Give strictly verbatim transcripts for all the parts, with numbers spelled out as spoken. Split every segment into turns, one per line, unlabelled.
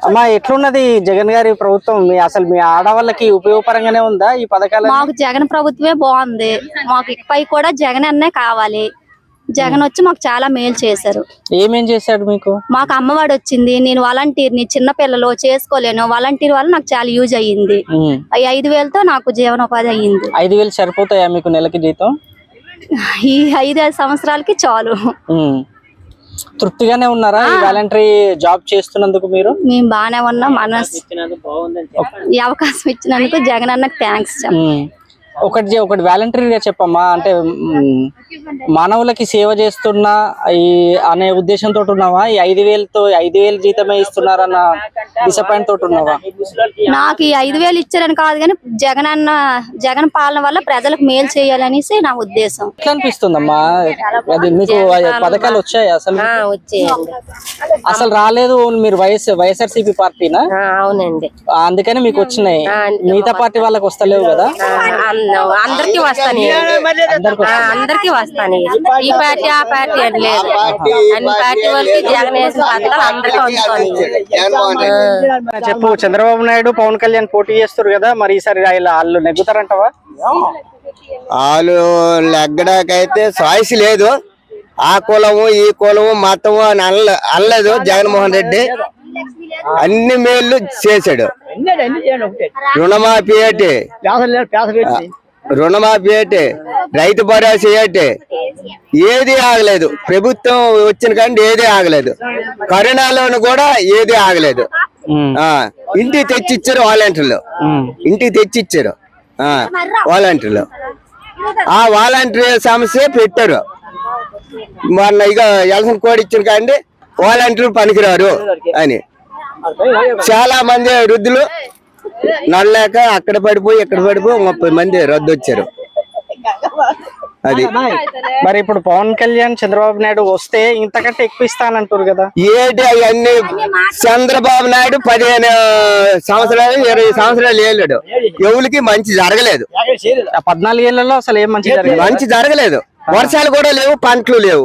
అమ్మా ఎట్లున్నది జగన్ గారి ప్రభుత్వం? మీ అసలు మీ ఆడవాళ్ళకి ఉపయోగపరంగానే ఉందా ఈ పథకాలు?
మాకు జగన్ ప్రభుత్వమే బాగుంది. మాకు ఇకపై కూడా జగన్ అన్నే కావాలి. జగన్ వచ్చి మాకు చాలా మేలు చేశారు.
ఏమేం చేశాడు మీకు?
మాకు అమ్మవాడు వచ్చింది. నేను వాలంటీర్ని, చిన్న పిల్లలు చేసుకోలేను. వాలంటీర్ వల్ల నాకు చాలా యూజ్ అయ్యింది. ఈ ఐదు వేలతో నాకు జీవనోపాధి అయ్యింది.
ఐదు వేలు సరిపోతాయా మీకు నెలకి జీతం?
ఈ ఐదు సంవత్సరాలకి చాలు.
తృప్తిగానే ఉన్నారా ఈ వాలంటరీ జాబ్ చేస్తున్నందుకు? మీరు
మేము బాగానే ఉన్నాం. మనసు ఈ అవకాశం ఇచ్చినందుకు జగన్ అన్నకు థ్యాంక్స్.
ఒకటి ఒకటి వాలంటరీగా చెప్పమ్మా, అంటే మానవులకి సేవ చేస్తున్నా ఈ అనే ఉద్దేశంతో ఉన్నావా? ఈ ఐదు వేలతో ఐదు వేలు జీతమే ఇస్తున్నారన్న డిసప్పాయింట్ తోటి ఉన్నావా?
నాకు ఈ ఐదు వేలు ఇచ్చారని కాదు కానీ జగన్ అన్న జగన్ పాలన వల్ల ప్రజలకు మేలు చేయాలనేసి నా ఉద్దేశం.
ఎట్లా అనిపిస్తుందమ్మా? అది మీకు పథకాలు వచ్చాయి? అసలు అసలు రాలేదు. మీరు వైఎస్ వైఎస్ఆర్సీపీ పార్టీనా?
అవునండి,
అందుకని మీకు వచ్చినాయి. మిగతా పార్టీ వాళ్ళకి వస్తలేవు కదా?
అందరికి వస్తాను, అందరికి వస్తాను. ఈ పార్టీ ఆ పార్టీ అని లేదు, అన్ని పార్టీ వాళ్ళకి జగన్ వేసిన పథకాలు అందరికీ అందుతాయి.
చెప్పు, చంద్రబాబు నాయుడు పవన్ కళ్యాణ్ పోటీ చేస్తారు కదా, మరి ఈసారి వాళ్ళు నెగ్గుతారంటవా?
వాళ్ళు నెగ్గడాకైతే చాయిస్ లేదు. ఆ కులము ఈ కులము మతము అని అల్ల అనలేదు. జగన్మోహన్ రెడ్డి అన్ని మేళ్లు చేశాడు. రుణమాఫీ ఏంటి, రుణమాఫీ ఏంటి, రైతు భరోసా ఏంటి, ఏది ఆగలేదు. ప్రభుత్వం వచ్చిన కానీ ఏది ఆగలేదు. కరోనాలోను కూడా ఏది ఆగలేదు. ఆ ఇంటికి తెచ్చిచ్చారు వాలంటీర్లు, ఇంటికి తెచ్చిచ్చారు వాలంటీర్లు. ఆ వాలంటీర్ సమస్య పెట్టారు. మొన్న ఇక ఎలక్షన్ కోడ్ ఇచ్చిన కానీ వాలంటీర్లు పనికిరారు అని చాలా మంది వృద్ధులు నడలేక అక్కడ పడిపోయి ఇక్కడ పడిపోయి ముప్పై మంది రద్దు వచ్చారు. అది
మరి ఇప్పుడు పవన్ కళ్యాణ్ చంద్రబాబు నాయుడు వస్తే ఇంతకంటే ఎక్కువ ఇస్తానంటారు కదా?
ఏంటి అవన్నీ? చంద్రబాబు నాయుడు పదిహేను సంవత్సరాలు ఇరవై సంవత్సరాలు ఏళ్ళాడు. ఎవరికి మంచి జరగలేదు.
పద్నాలుగు ఏళ్లలో అసలు ఏం మంచి జరగలేదు.
మంచి జరగలేదు. వర్షాలు కూడా లేవు, పంటలు లేవు.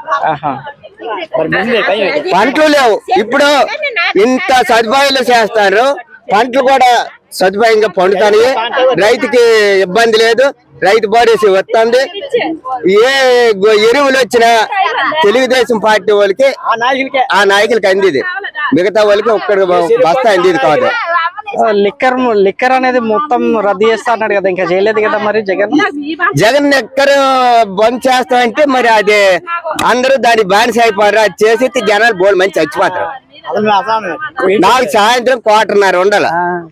పంటలు లేవు. ఇప్పుడు ఇంత సదుపాయాలు చేస్తారు, పంటలు కూడా సదుపాయంగా పండుతాయి. రైతుకి ఇబ్బంది లేదు. రైతు భరోసా వస్తుంది. ఏ ఎరువులు వచ్చినా తెలుగుదేశం పార్టీ వాళ్ళకి ఆ నాయకులకి అందిది, మిగతా వాళ్ళకి ఒక్కడి బస్తా అందిది కాదు.
లిక్కర్ లిక్కర్ అనేది మొత్తం రద్దు చేస్తా అన్నాడు కదా, ఇంకా చేయలేదు కదా మరి జగన్?
జగన్ లిక్కర్ బంద్ చేస్తా అంటే మరి అది అందరూ దాని బానిస అయిపోయారు. అది చేసి జనాలు బోల్ మంచి చచ్చిపోతారు. నాకు సాయంత్రం క్వార్టర్న్నర ఉండాల.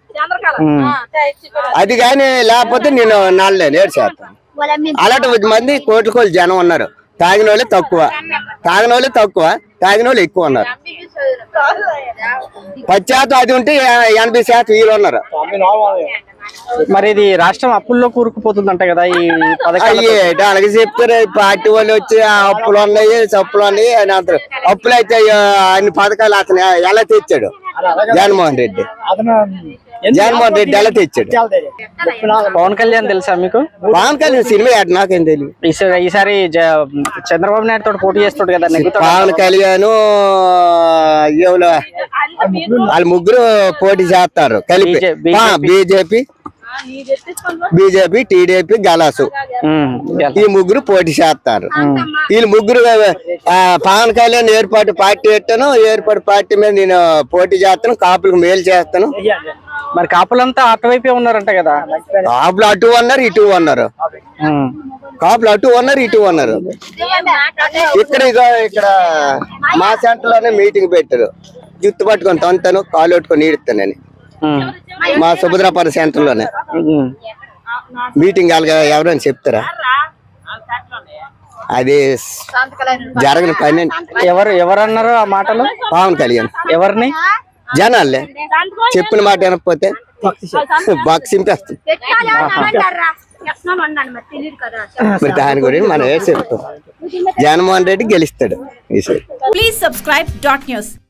అది కానీ లేకపోతే నేను నాలుగు నేడు చేస్తాను. అలాంటి మంది కోట్ల కోట్లు జనం ఉన్నారు. తాగిన వాళ్ళే తక్కువ, తాగిన వాళ్ళే తక్కువ, తాగిన వాళ్ళు ఎక్కువ ఉన్నారు. పది శాతం అది ఉంటే ఎనభై శాతం వీళ్ళు ఉన్నారు.
మరి ఇది రాష్ట్రం అప్పుల్లో కూరుకుపోతుందంట కదా ఈ పథకాలు?
అలాగే చెప్తారు. పార్టీ వాళ్ళు వచ్చి అప్పులు ఉన్నాయి, చప్పులు ఉన్నాయి అని అంటారు. అప్పులు అయితే అన్ని పథకాలు అతను ఎలా తెచ్చాడు జగన్మోహన్ రెడ్డి? జగన్మోహన్ రెడ్డి ఎలా తెచ్చాడు?
పవన్ కళ్యాణ్ తెలుసా మీకు?
పవన్ కళ్యాణ్ సినిమా యాడ్ నాకేం తెలియదు.
ఈసారి చంద్రబాబు నాయుడు తోటి పోటీ చేస్తాడు కదా,
పవన్ కళ్యాణ్ వాళ్ళు ముగ్గురు పోటీ చేస్తారు కలిపి. బీజేపీ బీజేపీ టీడీపీ గలాసు ఈ ముగ్గురు పోటీ చేస్తారు. వీళ్ళు ముగ్గురు పవన్ కళ్యాణ్ ఏర్పాటు పార్టీ పెట్టాను, ఏర్పాటు పార్టీ మీద నేను పోటీ చేస్తాను, కాపులకు మేలు చేస్తాను.
మరి కాపులంతా అటువైపే ఉన్నారంట కదా?
కాపులు అటు ఉన్నారు, ఇటు ఉన్నారు. కాపులు అటు ఉన్నారు, ఇటు ఉన్నారు. ఇక్కడ ఇక్కడ మా సెంటర్ లోనే మీటింగ్ పెట్టారు. జుత్తు పట్టుకొని తొంతాను, కాలు పట్టుకొని ఈడుతానని మా సుభద్రాపురం సెంటర్ లోనే మీటింగ్ ఎవరైనా చెప్తారా? అది జరగని పని.
ఎవరు ఎవరన్నారు ఆ మాటలు?
పవన్ కళ్యాణ్.
ఎవరిని?
జనాలే. చెప్పిన మాట వినకపోతే బాక్స్ చింపేస్తుంది. మరి దాని గురించి మనం ఏ చెప్తాం? జగన్మోహన్ రెడ్డి గెలుస్తాడు.
Please subscribe dot news.